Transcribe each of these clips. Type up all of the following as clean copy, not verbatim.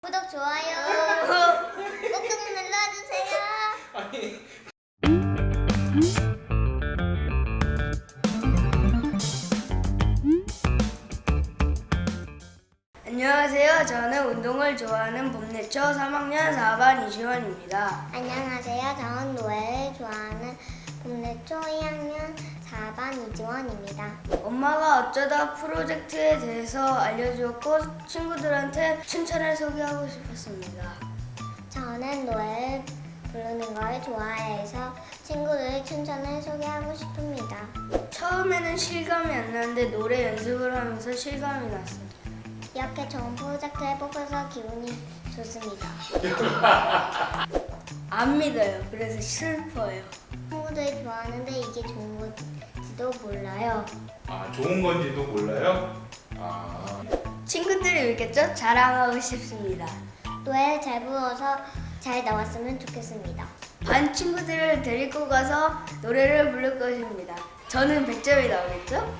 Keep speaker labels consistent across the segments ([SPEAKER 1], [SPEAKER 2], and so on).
[SPEAKER 1] 구독, 좋아요 꾹꾹 눌러주세요.
[SPEAKER 2] 안녕하세요. 저는 운동을 좋아하는 봄내초 3학년 4반 이시원입니다.
[SPEAKER 1] 안녕하세요. 저는 노래를 좋아하는 봄내초 2학년 4반 이지원입니다.
[SPEAKER 2] 엄마가 어쩌다 프로젝트에 대해서 알려주었고 친구들한테 춘천을 소개하고 싶었습니다.
[SPEAKER 1] 저는 노래를 부르는 걸 좋아해서 친구들 춘천을 소개하고 싶습니다.
[SPEAKER 2] 처음에는 실감이 안 나는데 노래 연습을 하면서 실감이 났어요.
[SPEAKER 1] 이렇게 좋은 프로젝트에 뽑혀서 기분이 좋습니다.
[SPEAKER 2] 안 믿어요. 그래서 슬퍼요.
[SPEAKER 1] 친구들이 좋아하는데 이게 좋은 건지도 몰라요.
[SPEAKER 3] 아, 좋은 건지도 몰라요? 아,
[SPEAKER 2] 친구들이 믿겠죠? 자랑하고 싶습니다.
[SPEAKER 1] 노래 잘 불러서 잘 나왔으면 좋겠습니다.
[SPEAKER 2] 반 친구들을 데리고 가서 노래를 부를 것입니다. 저는 100점이 나오겠죠?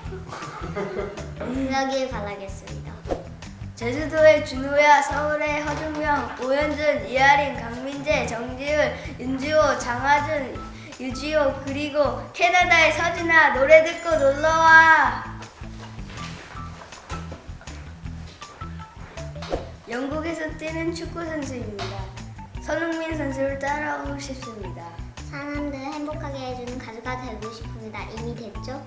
[SPEAKER 1] 그러길 바라겠습니다.
[SPEAKER 2] 제주도의 준호야, 서울의 허준명, 오현준, 이하린, 강민재, 정지은, 윤지호, 장하준, 유지호, 그리고 캐나다의 서진아, 노래 듣고 놀러와! 영국에서 뛰는 축구 선수입니다. 손흥민 선수를 따라하고 싶습니다.
[SPEAKER 1] 사람들 행복하게 해주는 가수가 되고 싶습니다. 이미 됐죠?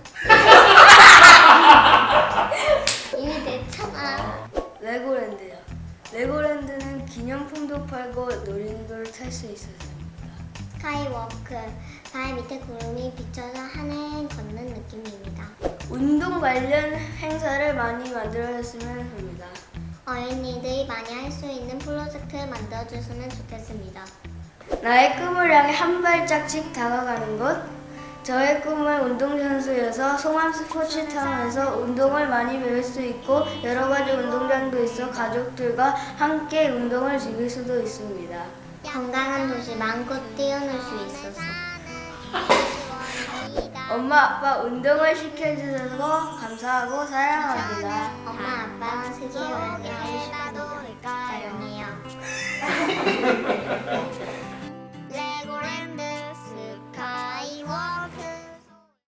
[SPEAKER 1] 이미 됐잖아.
[SPEAKER 2] 레고랜드요. 레고랜드는 기념품도 팔고 놀이기구를 탈 수 있었습니다.
[SPEAKER 1] 스카이워크, 발 밑에 구름이 비쳐서 하늘 걷는 느낌입니다.
[SPEAKER 2] 운동 관련 행사를 많이 만들어줬으면 합니다.
[SPEAKER 1] 어린이들이 많이 할 수 있는 프로젝트를 만들어줬으면 좋겠습니다.
[SPEAKER 2] 나의 꿈을 향해 한 발짝씩 다가가는 것. 저의 꿈은 운동선수여서 송암 스포츠타운에서 운동을 많이 배울 수 있고 여러 가지 운동장도 있어 가족들과 함께 운동을 즐길 수도 있습니다.
[SPEAKER 1] 건강한 도시 마음껏 뛰어놀 수 있어서.
[SPEAKER 2] 엄마 아빠 운동을 시켜주셔서 감사하고 사랑합니다.
[SPEAKER 1] 엄마 아빠랑 세계 여행을 하고 싶습니다. 사랑해요.